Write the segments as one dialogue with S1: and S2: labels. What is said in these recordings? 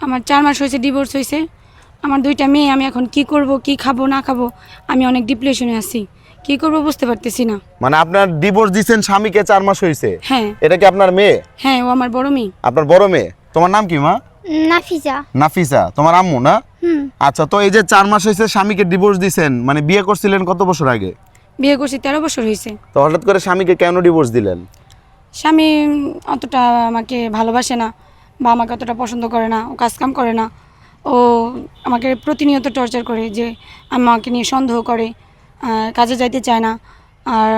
S1: আমার 4 মাস হয়েছে ডিভোর্স হয়েছে। আমার 2টা মেয়ে, আমি এখন কি করব, কি খাবো না খাবো, আমি অনেক ডিপ্রেশনে আছি। কি করব বুঝতে পারতেছি না।
S2: মানে আপনার ডিভোর্স দিয়েছেন স্বামীকে 4 মাস হয়েছে?
S1: হ্যাঁ।
S2: এটা কি আপনার মেয়ে?
S1: হ্যাঁ, ও আমার বড় মেয়ে।
S2: আপনার বড় মেয়ে। তোমার নাম কি মা?
S3: নাফিসা।
S2: নাফিসা তোমার আম্মু না? আচ্ছা, তো এই যে 4 মাস হয়েছে স্বামীকে ডিভোর্স দিয়েছেন, মানে বিয়ে করছিলেন কত বছর আগে?
S1: বিয়ে করছি 13 বছর হয়েছে।
S2: তো হঠাৎ করে স্বামীকে কেন ডিভোর্স দিলেন?
S1: স্বামী অতটা আমাকে ভালোবাসে না বা আমাকে অতটা পছন্দ করে না, ও কাজকাম করে না। ও আমাকে প্রতিনিয়ত টর্চার করে, যে আমাকে নিয়ে সন্দেহ করে, কাজে যাইতে চায় না, আর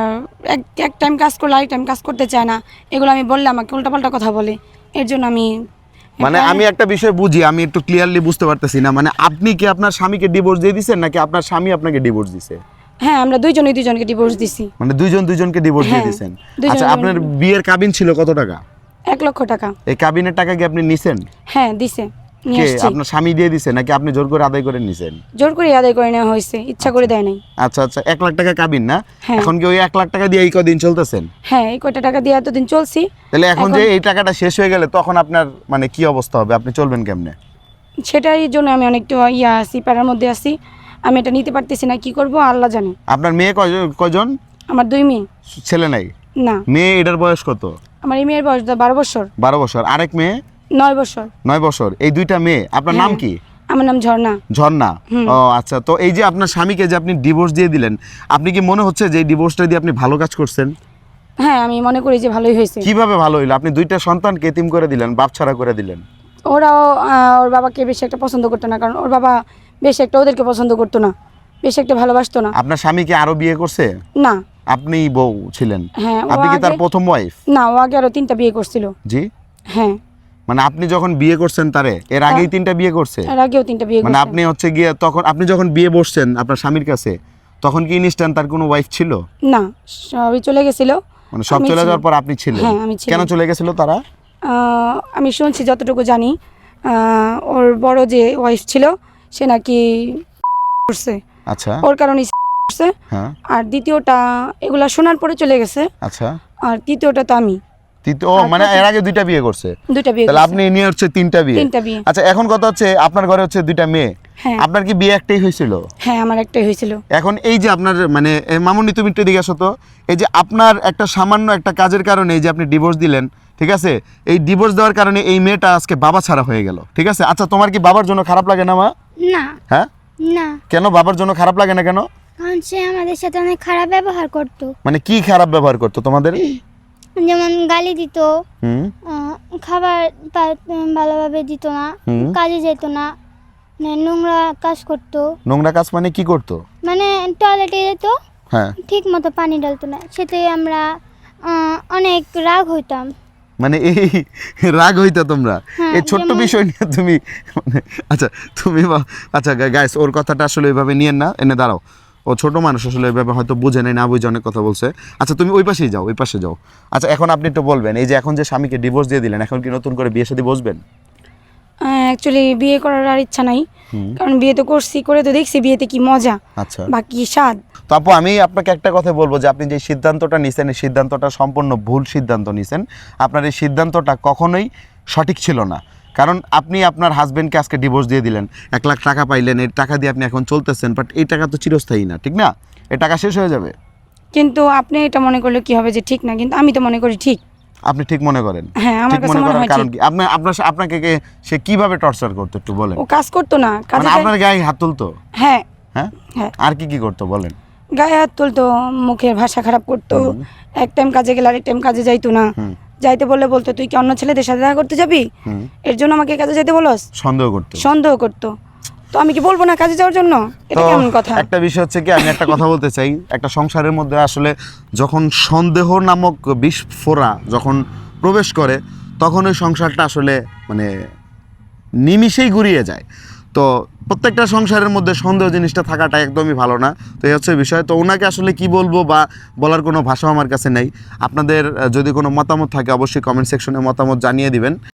S1: এক টাইম কাজ করলে আরেক টাইম কাজ করতে চায় না। এগুলো আমি বললে আমাকে উল্টাপাল্টা কথা বলে। এর জন্য আমি
S2: মানে আমি একটা বিষয় বুঝি, আমি একটু ক্লিয়ারলি বুঝতে পারতেছি না। মানে আপনি কি আপনার স্বামীকে ডিভোর্স দিয়ে দিয়েছেন নাকি আপনার স্বামী আপনাকে ডিভোর্স দিয়েছে?
S1: হ্যাঁ, আমরা দুজনকে ডিভোর্স দিছি।
S2: মানে দুজনকে ডিভোর্স দিয়ে দিয়েছেন। আচ্ছা, আপনার বিয়ের কাবিন ছিল কত টাকা?
S1: 1 লক্ষ টাকা।
S2: এই কাবিনের টাকা কি আপনি নিছেন?
S1: হ্যাঁ, দিছে, নিয়ে
S2: কে
S1: আসছি।
S2: আপনার স্বামী দিয়ে দিছে নাকি আপনি জোর করে আদায় করে নিছেন?
S1: জোর করে আদায় করে নেওয়া হয়েছে, ইচ্ছা করে দেয় নাই।
S2: আচ্ছা আচ্ছা, 1 লাখ টাকা কাবিন না?
S1: হ্যাঁ।
S2: এখন কি ওই 1 লাখ টাকা দিয়ে এই কদিন চলতেছেন?
S1: হ্যাঁ, এই কয়টা টাকা দিয়ে এতদিন চলছি।
S2: তাহলে এখন যে এই টাকাটা শেষ হয়ে গেলে তখন আপনার মানে কি অবস্থা হবে? আপনি চলবেন কেমনে?
S1: সেটাই জন্য আমি অনেকটা আছি, প্যারার মধ্যে আছি। আমি এটা নিতে পারতেছি না, কি করব আল্লাহ জানে।
S2: আপনার মেয়ে কয়জন?
S1: আমার 2 মেয়ে।
S2: ছেলে নাই?
S1: না,
S2: মেয়ে, এটার বয়স কত?
S1: আমার এই মেয়ের বয়স 12 বছর।
S2: 12 বছর। আরেক মেয়ে?
S1: 9 বছর।
S2: 9 বছর। এই 2টা মেয়ে। আপনার নাম
S1: হ্যাঁ।
S2: কি?
S1: আমার নাম ঝর্ণা।
S2: ঝর্ণা। ও আচ্ছা, তো এই যে আপনার স্বামীকে যে আপনি ডিভোর্স দিয়ে দিলেন, আপনি কি মনে হচ্ছে যে এই ডিভোর্সটা দিয়ে আপনি ভালো কাজ করছেন?
S1: হ্যাঁ, আমি মনে করি যে ভালোই হয়েছে।
S2: কিভাবে ভালো হইলো? আপনি 2টা সন্তানকে এতিম করে দিলেন, বাপ ছাড়া করে দিলেন।
S1: ওরাও ওর বাবাকে বেশি একটা পছন্দ করতো না, কারণ ওর বাবা বেশি একটা ওদেরকে পছন্দ করতো না, বেশি একটা ভালোবাসতো না।
S2: আপনার স্বামী কি আরো বিয়ে করছে?
S1: না।
S2: আপনি বউ ছিলেন?
S1: হ্যাঁ।
S2: আপনি কি তার প্রথম ওয়াইফ?
S1: না, ও আগে আরো 3টা বিয়ে করছিল।
S2: জি।
S1: হ্যাঁ।
S2: মানে আপনি যখন বিয়ে করছেন তারে, এর আগেই 3টা বিয়ে করছে?
S1: এর আগেও 3টা বিয়ে
S2: মানে
S1: করছে।
S2: আপনি হচ্ছে গিয়ে তখন আপনি যখন বিয়ে বসছেন আপনার স্বামীর কাছে, তখন কি ইনস্ট্যান্ট তার কোনো ওয়াইফ ছিল?
S1: না, সবই চলে গেছিল।
S2: মানে সব চলে যাওয়ার পর আপনি ছিলেন?
S1: হ্যাঁ, আমি ছিলাম।
S2: কেন চলে গেছিল তারা?
S1: আমি শুনছি, যতটুকু জানি, ওর বড় যে ওয়াইফ ছিল সে নাকি করছে,
S2: আচ্ছা।
S1: ওর কারণে করছে।
S2: হ্যাঁ।
S1: আর দ্বিতীয়টা এগুলা শোনার পরে চলে গেছে।
S2: আচ্ছা।
S1: আর তৃতীয়টা তো আমি।
S2: ও মানে এর আগে 2টা বিয়ে করছে?
S1: 2টা বিয়ে
S2: তাহলে
S1: করছে।
S2: আপনি নিয়ে হচ্ছে 3টা বিয়ে?
S1: 3টা বিয়ে।
S2: আচ্ছা, এখন কথা হচ্ছে আপনার ঘরে হচ্ছে 2টা মেয়ে।
S1: হ্যাঁ।
S2: আপনার কি বিয়ে একটাই হয়েছিল?
S1: হ্যাঁ, আমার একটাই হয়েছিল।
S2: এখন এই যে আপনার মানে মামুনি, তুমি একটু দিকে আসো তো। এই যে আপনার একটা সামান্য একটা কাজের কারণে এই যে আপনি ডিভোর্স দিলেন, ঠিক আছে, এই ডিভোর্স দেওয়ার কারণে এই মেয়েটা আজকে বাবা ছাড়া হয়ে গেল, ঠিক আছে। আচ্ছা, তোমার কি বাবার জন্য খারাপ লাগে না মা?
S3: না।
S2: হ্যাঁ।
S3: না,
S2: কেন বাবার জন্য খারাপ লাগে না কেন?
S3: কারণ সে আমাদের সাথে অনেক খারাপ ব্যবহার করতো।
S2: মানে কি খারাপ ব্যবহার করতো তোমাদের?
S3: যেমন গালি দিত,
S2: হুম।
S3: খাবার ভালোভাবে দিত না, কাজে যেত না, নোংরা কাজ করতো।
S2: নোংরা কাজ মানে কি করতো?
S3: মানে টয়লেটে যেত,
S2: হ্যাঁ।
S3: ঠিক মতো পানি ডালতো না, সেতে আমরা অনেক রাগ হইতাম।
S2: মানে এই রাগ হইতো তোমরা
S3: হ্যাঁ,
S2: এই ছোট্ট বিষয় নিয়ে তুমি মানে আচ্ছা তুমি আচ্ছা গাইস, ওর কথাটা আসলে ওইভাবে নিয়েন না, এনে দাঁড়াও। ও ছোট মানুষ, আসলে ওইভাবে হয়তো বুঝে নেই, না বুঝে অনেক কথা বলছে। আচ্ছা, তুমি ওই পাশেই যাও, ওই পাশে যাও। আচ্ছা, এখন আপনি একটু বলবেন, এই যে এখন যে স্বামীকে ডিভোর্স দিয়ে দিলেন, এখন কি নতুন করে বিয়ে শাদী বসবেন?
S1: অ্যাকচুয়ালি বিয়ে করার আর ইচ্ছা নাই, কারণ বিয়ে তো করছি, করে তো দেখছি বিয়েতে কি মজা,
S2: আচ্ছা,
S1: বাকি স্বাদ।
S2: তো আপু আমি আপনাকে একটা কথা বলবো যে আপনি যে সিদ্ধান্তটা নিছেন, এই সিদ্ধান্তটা সম্পূর্ণ ভুল সিদ্ধান্ত নিছেন। আপনার এই সিদ্ধান্তটা কখনোই সঠিক ছিল না। কারণ আপনি আপনার হাজবেন্ডকে আজকে ডিভোর্স দিয়ে দিলেন, 1 লাখ টাকা পাইলেন, এই টাকা দিয়ে আপনি এখন চলতেছেন, বাট এই টাকা তো চিরস্থায়ী না, ঠিক না? এই টাকা শেষ হয়ে যাবে।
S1: কিন্তু আপনি এটা মনে করলে কি হবে যে ঠিক না, কিন্তু আমি তো মনে করি ঠিক।
S2: আপনি ঠিক মনে করেন?
S1: হ্যাঁ, আমার
S2: ঠিক
S1: কাছে
S2: মনে
S1: মনে
S2: করার
S1: হয়
S2: কারণ
S1: ঠিক।
S2: কি? আপনাকে সে কিভাবে টর্চার করতো একটু বলেন।
S1: ও কাজ করতো না,
S2: মানে
S1: কাজে
S2: আপনার গায়ে হাত তুলতো?
S1: হ্যাঁ।
S2: হ্যাঁ।
S1: হ্যাঁ,
S2: আর কি করতো বলেন?
S1: গায়ে হাত তুলতো, মুখের ভাষা খারাপ করতো, এক টাইম কাজে গেলে আরেক টাইম কাজে যাইতো না। যাইতে বললে বলতো তুই কি অন্য ছেলেদের সাথে দেখা করতে যাবি, এর জন্য আমাকে কাজে যেতে বলস। সন্দেহ করতো। তো আমি কি বলবো না কাজে যাওয়ার জন্য? এটা কেমন কথা?
S2: একটা বিষয় হচ্ছে কি, আমি একটা কথা বলতে চাই, একটা সংসারের মধ্যে আসলে যখন সন্দেহ নামক বিস্ফোরা যখন প্রবেশ করে, তখন ওই সংসারটা আসলে মানে নিমিষেই গুড়িয়ে যায়। তো প্রত্যেকটা সংসারের মধ্যে সন্দেহ জিনিসটা থাকাটা একদমই ভালো না। তো এই হচ্ছে বিষয়। তো ওনাকে আসলে কি বলবো বা বলার কোনো ভাষা আমার কাছে নেই। আপনাদের যদি কোনো মতামত থাকে অবশ্যই কমেন্ট সেকশনে মতামত জানিয়ে দিবেন।